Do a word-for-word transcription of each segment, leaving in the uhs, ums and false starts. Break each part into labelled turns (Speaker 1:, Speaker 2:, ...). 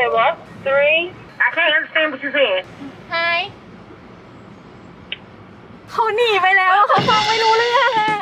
Speaker 1: said what? Three? I can't understand what you said.
Speaker 2: Hi เขาหนีไปแล้วเขาฟังไม่รู้เรื่องอะ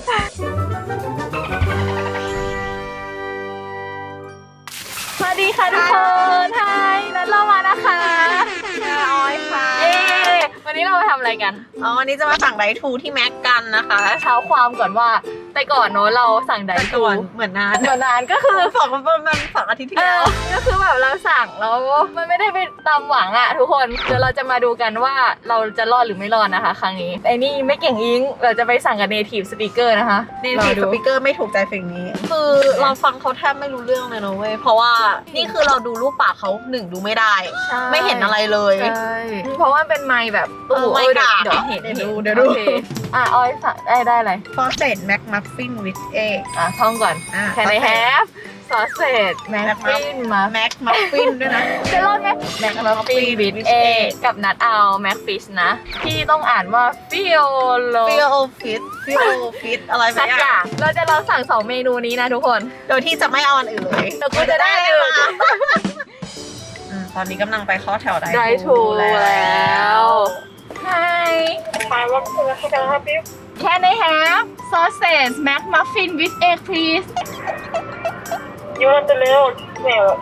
Speaker 2: สวัสดีค่ะทุกคนไฮนัดเรามานะคะ
Speaker 3: ออยค่ะ
Speaker 2: เอ๊วันนี้เรามาทำอะไรกัน
Speaker 3: อ๋อวันนี้จะมาสั่งไดทูที่แม็กกันนะคะ
Speaker 2: เช้าความก่อนว่าแต่ก่อนเนอะเราสั่งไดทู
Speaker 3: เหมือนนาน
Speaker 2: เหมือนนานก็คือ
Speaker 3: สองประมาณสองอาทิตย์ที่
Speaker 2: เอ
Speaker 3: แล้ว
Speaker 2: อก็คือแบบเราสั่งแล้วมันไม่ได้ไปตามหวังอะทุกคนเดี๋ยวเราจะมาดูกันว่าเราจะรอดหรือไม่รอดนะคะครั้งนี้ไอ้นี่ไม่เก่งอิงเราจะไปสั่งกับ native speaker นะคะ
Speaker 3: ในทีสปีกเกอร์ไม่ถูกใจเพลงนี้ คือเราฟังเขาแทบไม่รู้เรื่องเลยนะเว้ย เพราะว่านี่คือเราดูรูปปากเขาหนึ่งดูไม่ได้ ไม่เห็นอะไรเลย
Speaker 2: ใช่เพราะว่าเป็นไมค์แบบ
Speaker 3: เออไมค์กาก
Speaker 2: เดี๋ยวเห็น
Speaker 3: เดี๋ยวดูเดี๋ยวดู
Speaker 2: โอคอ่ะออยสั่งได้ได้อะไร
Speaker 3: ฟอสเซตแม็กมัฟฟินวิชเอ
Speaker 2: อ่ะท่องก่อน
Speaker 3: อ่ะ
Speaker 2: Can I have sausage muffin มา
Speaker 3: แม็กมัฟฟินด้วยนะ
Speaker 2: จะรอดไหม McMuffin with egg กับนัดเอา McFish นะที่ต้องอ่านว่า Fiolo
Speaker 3: ฟิโอฟิตฟิโอฟิตอะไร
Speaker 2: สักอ
Speaker 3: อย่า
Speaker 2: ย่าง งเราจะลองสั่งสองเมนูนี้นะทุกคน
Speaker 3: โดยที่จะไม่เอาอันอื่นเลย
Speaker 2: แต่กูจะได้หนึ่ง
Speaker 3: อืมตอนนี้กำลังไปเข้าแถวได้
Speaker 2: ได้ถูกแล้ว Hi
Speaker 1: Hi, welcome to the How can I help you?
Speaker 2: Can I have sausage McMuffin with egg please
Speaker 1: You want the meal or just sandwich?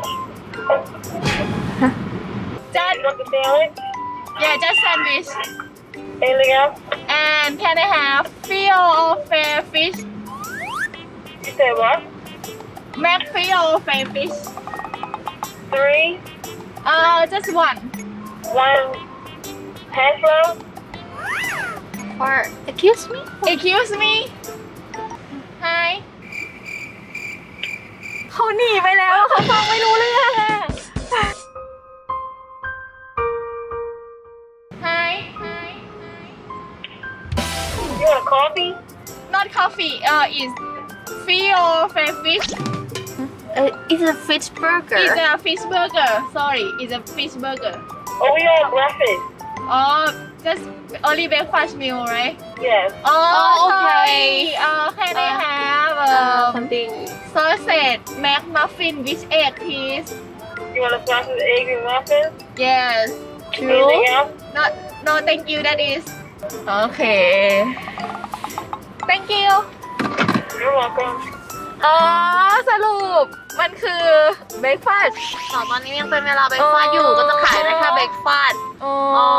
Speaker 2: Just
Speaker 1: You want the sandwich?
Speaker 2: yeah just sandwich
Speaker 1: Anything else?
Speaker 2: and can I have feel of fair fish
Speaker 1: You said what?
Speaker 2: Mac feel of fair fish
Speaker 1: Three?
Speaker 2: uh just one
Speaker 1: One hash brown?
Speaker 2: or excuse me excuse me Hi เขาหนีไปแล้วเขาฟังไม่รู้เรื่องอะ Hi Hi
Speaker 1: You want coffee?
Speaker 2: not coffee uh is feel fair fish
Speaker 3: Uh, it's a fish burger.
Speaker 2: is a fish burger sorry is a fish burger
Speaker 1: Oh, we on breakfast.
Speaker 2: oh just only breakfast meal right
Speaker 1: Yes.
Speaker 2: oh okay uh can I have um
Speaker 3: something.
Speaker 2: sausage McMuffin with egg please
Speaker 1: You want a sausage, egg, and muffin?
Speaker 2: yes
Speaker 1: Anything else?
Speaker 2: not no thank you that is okay thank you
Speaker 1: You're welcome.
Speaker 2: อ๋อสรุปมันคือเบรกฟาสต์
Speaker 3: ตอนนี้ยังเป็นเวลาเบรกฟาสต์อยู่ก็จะขายได้แค่เบรกฟาสต์
Speaker 2: อ๋อ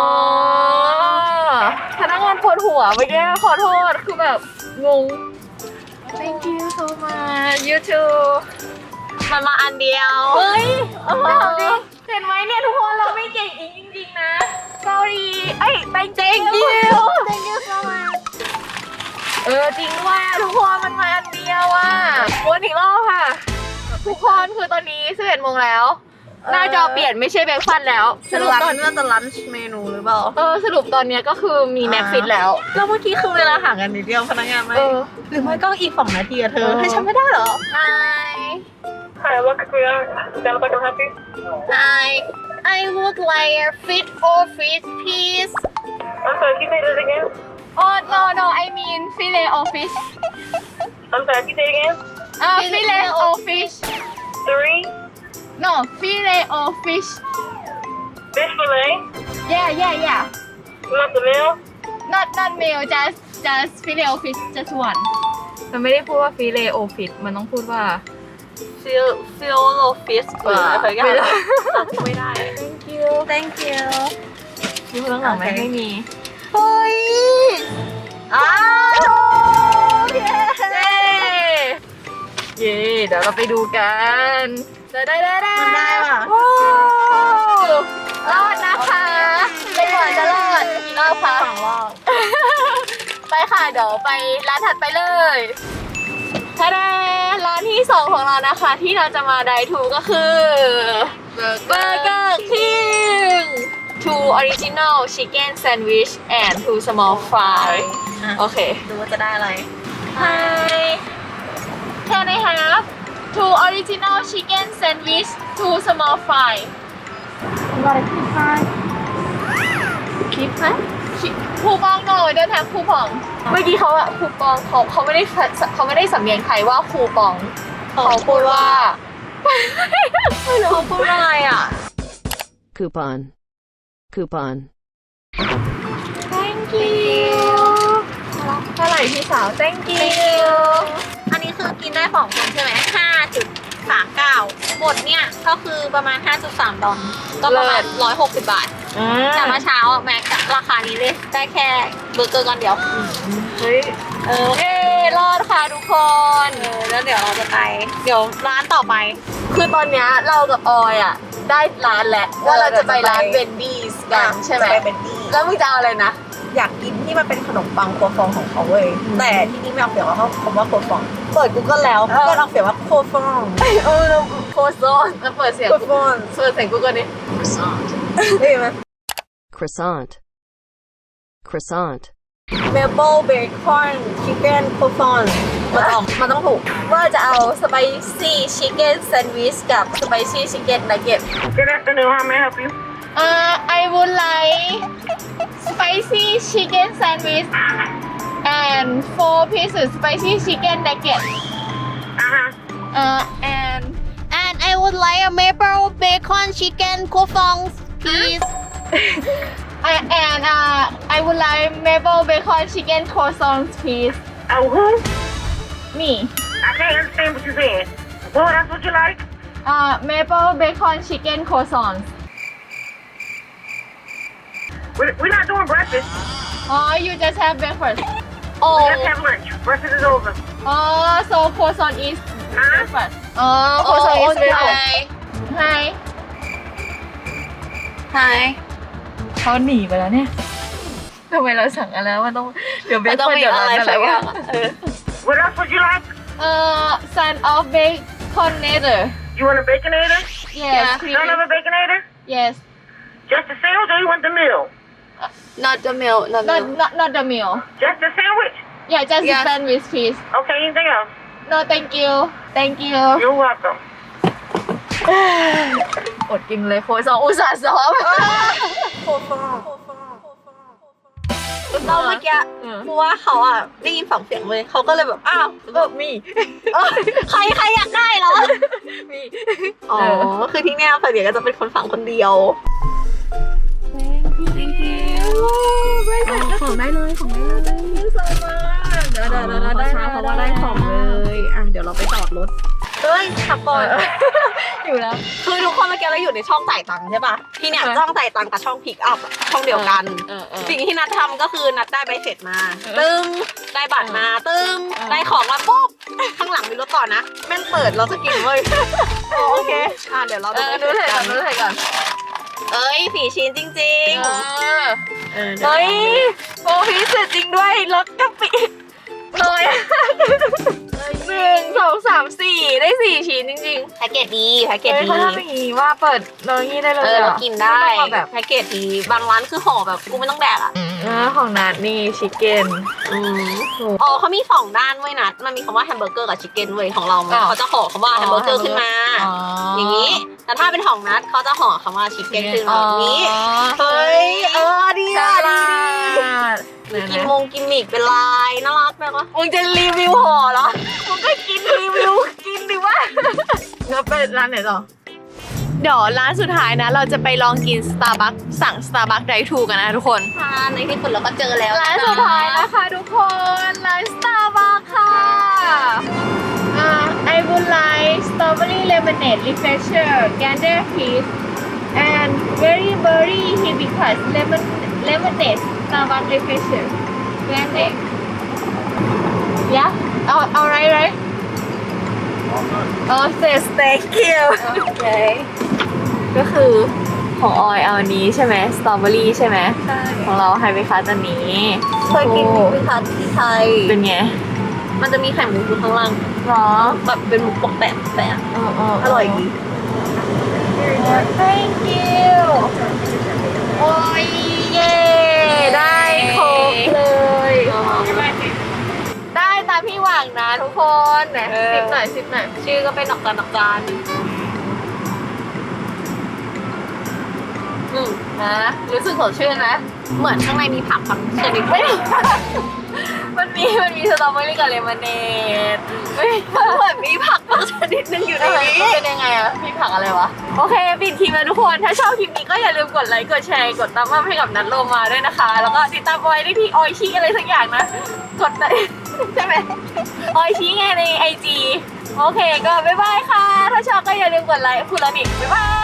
Speaker 2: พนักงานปวดหัวเมื่อกี้ขอโทษคือแบบงง thank you so much you too
Speaker 3: มันมาอันเดียว
Speaker 2: เฮ้ยเอาจริงเห็นไหมเนี่ยทุกคนเราไม่เก่งอีกจริงๆนะ sorry เอ้ย thank you
Speaker 3: Thank you so much
Speaker 2: เออจริงว่าทุกคนมันมาอันเดียวอ่ะวนอีกรอบค่ะ ทุกคนคือตอนนี้สิบเอ็ดโมงแล้วหน้าจอเปลี่ยนไม่ใช่เบรกฟาสต์แล้ว
Speaker 3: สรุปตอนนี้จะลันช์เมนูหรือเปล่า
Speaker 2: เออสรุปตอนเนี้ยก็คือมีแม็กฟิตแล้ว
Speaker 3: แล้วเมื่อกี้คือเวลาห่างกันนิดเดียวพนักงานไม่
Speaker 2: เออ
Speaker 3: หรือไม่ก็อีกสองนาทีอะเธอ
Speaker 2: เออ
Speaker 3: ให้ฉันไม่ได้เหรอ
Speaker 2: Hi
Speaker 1: Hi, welcome to the How can I help you?
Speaker 3: Hi I would like a fit or fish please
Speaker 1: I'm sorry, can you say that again?
Speaker 2: oh no no I mean fillet of fish
Speaker 1: I'm sorry, can you say it again?
Speaker 2: อ่า fillet of fish
Speaker 1: Three?
Speaker 2: no fillet of fish
Speaker 1: Fish fillet?
Speaker 2: yeah yeah yeah
Speaker 1: You want the meal?
Speaker 2: not not meal just just fillet of fish just one มันไม่ได้พูดว่า fillet of fish มันต้องพูดว่า
Speaker 3: feel feel low fish หรืออะไรอย่าง
Speaker 2: ไม่
Speaker 3: เงี้
Speaker 2: ได้
Speaker 3: ยไม่ได้
Speaker 2: thank you
Speaker 3: Thank you
Speaker 2: มีคนข้างหลังไหม
Speaker 3: โอเค
Speaker 2: ไม่มี
Speaker 3: เฮ้ยอ้าวเย้
Speaker 2: เย้เย้เดี๋ยวเราไปดูกันได้ได้ได้ได้
Speaker 3: มันได้ว่ะ
Speaker 2: โอ้รอดนะคะไม่หวังจะรอดกี่รอบคะ
Speaker 3: สองรอบ
Speaker 2: ไปค่ะเดี๋ยวไปร้านถัดไปเลยทะเดร้านที่สองของเรานะคะที่เราจะมาไดทูก็คือเบอร์เกอร์คิง two original chicken sandwich and two small fry
Speaker 3: อ่ะ
Speaker 2: โอเค
Speaker 3: ดูว่าจะได้อะไร
Speaker 2: Hi Can I have two original chicken sandwich two small fry
Speaker 3: You got a coupon?
Speaker 2: Coupon? คูปองหน่อยเดินทางคูปอง เมื่อกี้เขาอะคูปองเขาเขาไม่ได้เขาไม่ได้สำเนียงไทยว่าคูปองเขาพูดว่า
Speaker 3: ไม่รู้เขาพูดว่าอะไรอ่ะ
Speaker 4: coupon, coupon.
Speaker 2: thank you เท่าไหร่พี่สาว thank you
Speaker 3: อันนี้คือกินได้สองคนใช่ไหมห้าจุดสามเก้าหมดเนี่ยก็คือประมาณ ห้าจุดสาม ดอลก็ประมาณหนึ่งร้อยหกสิบบาทแต่เมื่อเช้าอะแม็กซ์ราคานี้เลยได้แค่เบอร์เกอร์ก้อนเดียว
Speaker 2: เฮ้ย
Speaker 3: เออเอ้รอดค่ะทุกคนเออแล้วเดี๋ยวเราจะไปเดี๋ยวร้านต่อไป
Speaker 2: คือตอนเนี้ยเรากับออยอ่ะได้ร้านแล้วว่าเราจะไปร้านเบนดี้กันใช่ไหม
Speaker 3: จะไปเบนดี้
Speaker 2: แล้วมึงจะเอาอะไรนะ
Speaker 3: อยากกินที่มันเป็นขนมปังโคฟองของเขาเว้ยแต่ที่นี่ไม่เอาเสียงว่าเขาคำว่าโคฟองเปิด Google แล้ว
Speaker 2: เออ
Speaker 3: ก็เอาเสียงว่าโคฟอง
Speaker 2: เออโคโซนแล้วเปิดเสียง
Speaker 3: โคฟอง
Speaker 2: เปิดเสียงกูก่อนดิ
Speaker 3: ได้ไหม
Speaker 4: Croissant, croissant.
Speaker 3: เมเปิลเบคอนชิคเก้นโคฟอนมันต้องมันต้องถูก
Speaker 2: ว่าจะเอาสไปซี่ชิคเก้นแซนด์วิชกับสไปซี่ชิคเก้นนักเก็ต
Speaker 1: Good afternoon. How may I help you?
Speaker 2: Uh, I would like spicy chicken sandwich and four pieces spicy chicken nugget.
Speaker 1: Uh-huh.
Speaker 2: Uh, and
Speaker 3: and I would like a maple bacon chicken โคฟอง please
Speaker 2: I, and uh, I would like maple bacon chicken croissants, please.
Speaker 1: Oh, who?
Speaker 2: Me.
Speaker 1: I can't understand what you're saying. Well, that's what you like?
Speaker 2: Uh, maple bacon chicken croissants.
Speaker 1: We're, we're not doing breakfast.
Speaker 2: Oh, you just have breakfast.
Speaker 1: We
Speaker 2: Oh,
Speaker 1: just have lunch. Breakfast is over.
Speaker 2: oh, so croissant is
Speaker 1: Huh?
Speaker 2: breakfast. Oh, croissant is breakfast. Hi.
Speaker 3: Hi
Speaker 2: เขาหนีไปแล้วเนี่ยทำไมเราสั่งอะไรแล้วมันต้องเดี๋ยวเบ
Speaker 3: มัน
Speaker 2: ค
Speaker 3: ต้อง
Speaker 2: อน
Speaker 3: มี
Speaker 2: เดี๋ยว
Speaker 3: อะไร
Speaker 2: ร้าน
Speaker 3: สั
Speaker 2: อะไร
Speaker 3: กอ
Speaker 2: วะ
Speaker 3: ย่างอะเออ
Speaker 1: What else would you like?
Speaker 2: เอ่อ son of baconator
Speaker 1: You want a baconator?
Speaker 2: yes
Speaker 1: Son of a baconator?
Speaker 2: yes
Speaker 1: Just a sandwich or you want the meal?
Speaker 3: not the meal not
Speaker 2: not
Speaker 3: meal
Speaker 2: not not the meal
Speaker 1: Just a sandwich?
Speaker 2: yeah just the
Speaker 3: Yes.
Speaker 2: sandwich please
Speaker 1: Okay, anything else?
Speaker 2: no thank you thank you
Speaker 1: You're welcome.
Speaker 2: อดกินเลยโคซองอุตส่าห์ซ้อม
Speaker 3: โคฟองเราเมื่อกี้
Speaker 2: เออ
Speaker 3: เพราะว่าเขาอ่ะได้ยินฝั่งเสียงเลยเขาก็เลยแบบอ้าว
Speaker 2: เออมี
Speaker 3: เออใครใครอยากได้เหรอ
Speaker 2: มี
Speaker 3: อ๋อ คือที่เนี่ยฝั่งเดียวก็จะเป็นคนฝั่งคนเดียว ของได้เลยของได้เลยเดี๋ยวเดี๋ยวเดี๋ยวได้เพราะว่าได้ของเลยอ่ะเดี๋ยวเราไปจอดรถเฮ้ยขับก่อน
Speaker 2: อยู่แล้ว
Speaker 3: คือทุกคนเมื่อกี้เราอยู่ในช่องจ่ายตังค์ใช่ปะที่เนี่ย
Speaker 2: เออ
Speaker 3: ช่องจ่ายตังค์กับช่องพิกอัพช่องเดียวกัน
Speaker 2: เออเออ
Speaker 3: สิ่งที่นัดทำก็คือนัดได้ใบเสร็จมา
Speaker 2: เออ
Speaker 3: ตึ้งได้บัตรมาตึ้ง
Speaker 2: เออ
Speaker 3: ได้ของมาปุ๊บข้างหลังมีรถต่อนะแม่งเปิดเราจะกินเว้ยอ๋อโอเคอ่ะเดี๋ยวเรา
Speaker 2: เอ
Speaker 3: ดู
Speaker 2: อ
Speaker 3: ใบ
Speaker 2: ดู
Speaker 3: เสร็จ
Speaker 2: ถ่ายก่
Speaker 3: กั
Speaker 2: อน
Speaker 3: น
Speaker 2: ดูถ่ายก่อน
Speaker 3: เอ้ยสี่ชิ้นจริง
Speaker 2: เออ
Speaker 3: ๆเออ
Speaker 2: เฮ้ยโอ้พิเศษจริงด้วยรสกะปิเลยหนึ่งสองสามสี่ได้สี่ชิ้นจริง
Speaker 3: แพ็กเกจดีแพ็ก
Speaker 2: ๆ
Speaker 3: เกจ
Speaker 2: เฮ้ย
Speaker 3: ดี
Speaker 2: เขาทำอย่างนี้ว่าเปิดเรางี้ได้เลย
Speaker 3: เออเรากินได้
Speaker 2: ม่ต้องมาแบบ
Speaker 3: แพ็กเกจดีบางร้านคือห่อแบบกูไม่ต้องแดกอ่ะ
Speaker 2: เออของนัดนี่ชิคเก้น
Speaker 3: อืมอ๋อเขามีสองด้านเว้ยนัดมันมีคำว่าแฮมเบอร์เกอร์กับชิคเก้นเว้ยของเรา
Speaker 2: อ้าว
Speaker 3: เขาจะห่อคำว่าแฮมเบอร์เกอร์ขึ้นมา
Speaker 2: อ๋ออ
Speaker 3: อย่างนี้แต่ถ้าเป็นของนัดเขาจะห่อคำว่าชิคเก้นขึ้นมาแบบนี้
Speaker 2: อ๋อ
Speaker 3: เฮ้ยเออดี
Speaker 2: ฉ
Speaker 3: อ่ะ
Speaker 2: ลา
Speaker 3: ดี
Speaker 2: ด
Speaker 3: กินมงกิมมิกเป็นลายน่ารักไหมวะ
Speaker 2: มึงจะรีวิวห่อเหรอมึงก็กินรีวิวกินดิวะแล้วไปร้านไหนต่อเดี๋ยวร้านสุดท้ายนะ เราจะไปลองกิน Starbucks สั่ง Starbucks Drive Thru กันนะทุกคน
Speaker 3: ค่ะในที่สุดเราก็เจอแล้ว
Speaker 2: ร้านสุดท้ายนะคะทุกคนร้าน Starbucks ค่ะอ่า I would like strawberry lemonade refresher gander peach and very berry hibiscus lemon lemonade Starbucks refresher gander yeah เอาเอาไรไรโอเค thank you โอเคก็คือของออยเอาอันนี้ใช่ไหมสตรอเบอรี่ใช่ไหม
Speaker 3: ใช่
Speaker 2: ของเราไฮเบคัสอันนี้
Speaker 3: เคยกินไหมคะที่ไทย
Speaker 2: เป็นไง
Speaker 3: มันจะมีไข่มุกอยู่ข้างล่าง
Speaker 2: หรอ
Speaker 3: แบบเป็นมุกปกแปะแปะ
Speaker 2: เออเออ
Speaker 3: อร่อยดี
Speaker 2: thank you โอ้ยเย่ได้ครบเลย ได้ตามพี่หวังนะทุกคนไหนสิบหน่อยสิบหน่อย
Speaker 3: ชื่อก็เป็นดอกจันดอกจันอืม
Speaker 2: นะรู้สึกสดชื่นไหม
Speaker 3: เหมือนข้างในมีผักบางชนิด
Speaker 2: ไม่มันมีมีมันมีสตรอเบอรี่กับเลมอนเนดมันเหมือนมีผักบางชนิดนึงอยู่ในนี้เป็นยังไงอะมีผักอะไรวะโอเคปิดคลิปแล้วทุกคนถ้าชอบคลิปนี้ก็อย่าลืมกดไลค์กดแชร์กดตามมาให้กับนัทโลมาด้วยนะคะ แล้วก็ติดตามไว้ได้ที่ออยชีอะไรสักอย่างนะกดได้ใช่ไหมออยชีไงในไอจีโอเคก็บ๊ายบายค่ะถ้าชอบก็อย่าลืมกดไลค์คุณละนิบ๊ายบาย